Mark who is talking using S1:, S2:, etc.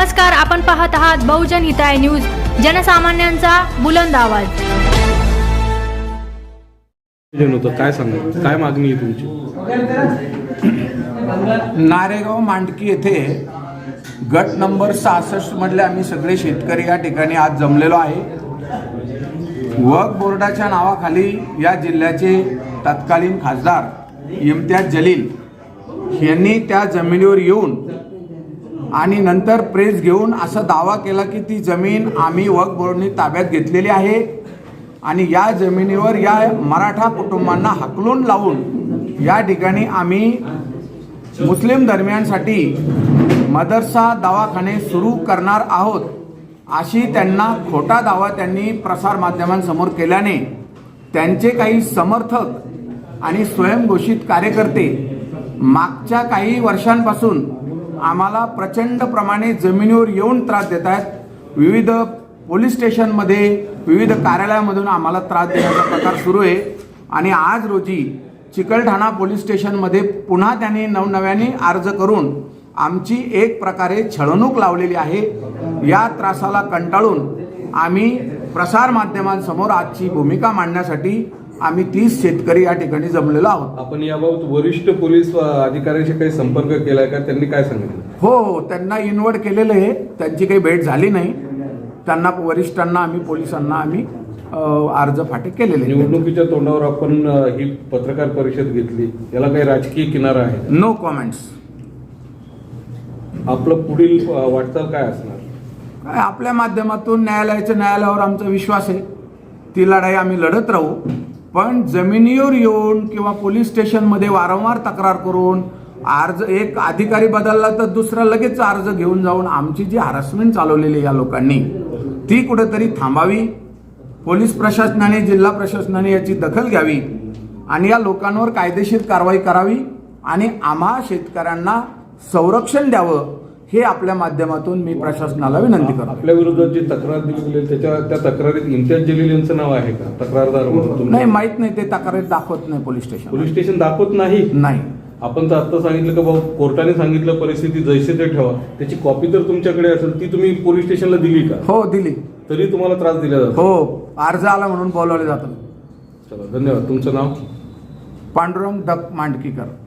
S1: नमस्कार, आपण पाहत आहात बहुजन हिताय न्यूज, जनसामान्यांचा बुलंद आवाज।
S2: काय सांगा, काय मागणी आहे तुमची?
S3: नारेगाव मांडकी येथे गट नंबर 66 मधले आम्ही सगळे शेतकरी या ठिकाणी आज जमलेलो आहे। वक्फ बोर्डाच्या नावाखाली या जिल्ह्याचे तत्कालीन खासदार इम्तियाज जलील यांनी त्या जमिनीवर येऊन आणि नंतर प्रेस घेऊन असा दावा केला की ती जमीन आम्ही वक्फ बोर्डाने ताब्यात घेतलेली आहे आणि या जमिनीवर या मराठा कुटुंबांना हकलून लावून या ठिकाणी आम्ही मुस्लिम धर्मियांसाठी मदरसा दवाखाने सुरू करणार आहोत, अशी त्यांना खोटा दावा त्यांनी प्रसार माध्यमांसमोर केल्याने त्यांचे काही समर्थक आणि स्वयंघोषित कार्यकर्ते मागच्या काही वर्षांपासून आम्हाला प्रचंड प्रमाणे जमिनीवर येऊन त्रास देत आहेत। विविध पोलीस स्टेशनमध्ये विविध कार्यालयामधून आम्हाला त्रास देण्याचा प्रकार सुरू आहे आणि आज रोजी चिकलठाणा पोलीस स्टेशनमध्ये पुन्हा त्यांनी नवनव्याने अर्ज करून आमची एक प्रकारे छळवणूक लावलेली आहे। या त्रासाला कंटाळून आम्ही प्रसार माध्यमांसमोर आजची भूमिका मांडण्यासाठी आम्ही 30 शेतकरी या ठिकाणी जमलेलो आहोत।
S2: आपण याबाबत वरिष्ठ पोलीस अधिकाऱ्यांशी काही संपर्क केलाय का? त्यांनी काय सांगितलं?
S3: हो, त्यांना इन्व्हाइट केलेलं आहे, त्यांची काही भेट झाली नाही। त्यांना वरिष्ठांना आम्ही पोलिसांना आम्ही अर्ज फाटे केलेले।
S2: निवडणुकीच्या तोंडावर आपण ही पत्रकार परिषद घेतली, याला काही राजकीय किनारा आहे?
S3: No comments.
S2: आपलं पुढील वाटचाल काय असणार?
S3: काय आपल्या माध्यमातून न्यायालयावर आमचा विश्वास आहे, ती लढाई आम्ही लढत राहू। पण जमिनीवर येऊन किंवा पोलीस स्टेशनमध्ये वारंवार तक्रार करून अर्ज एक अधिकारी बदलला तर दुसरा लगेच अर्ज घेऊन जाऊन आमची जी हॅरेसमेंट चालवलेली या लोकांनी ती कुठेतरी थांबावी। पोलीस प्रशासनाने जिल्हा प्रशासनाने याची दखल घ्यावी आणि या लोकांवर कायदेशीर कारवाई करावी आणि आम्हा शेतकऱ्यांना संरक्षण द्यावं, हे आपल्या माध्यमातून मी प्रशासनाला विनंती करतो।
S2: आपल्या विरोधात जी तक्रार दिली गेली त्या तक्रारीत इम्तियाज जलील यांचं नाव आहे का तक्रारदार म्हणून?
S3: नाही, माहित नाही, ते तक्रारीत दाखवत नाही पोलीस स्टेशन
S2: दाखवत नाही। आपण तर आता सांगितलं की भाऊ कोर्टाने सांगितलं परिस्थिती जैसे ते ठेवा, त्याची कॉपी तर तुमच्याकडे असेल, ती तुम्ही पोलीस स्टेशनला दिली का?
S3: हो, दिली।
S2: तरी तुम्हाला त्रास दिला जातो?
S3: हो, अर्ज आला म्हणून बोलवले जातं।
S2: चला, धन्यवाद। तुमचं नाव?
S3: पांडुरंग दत्त मांडकीकर।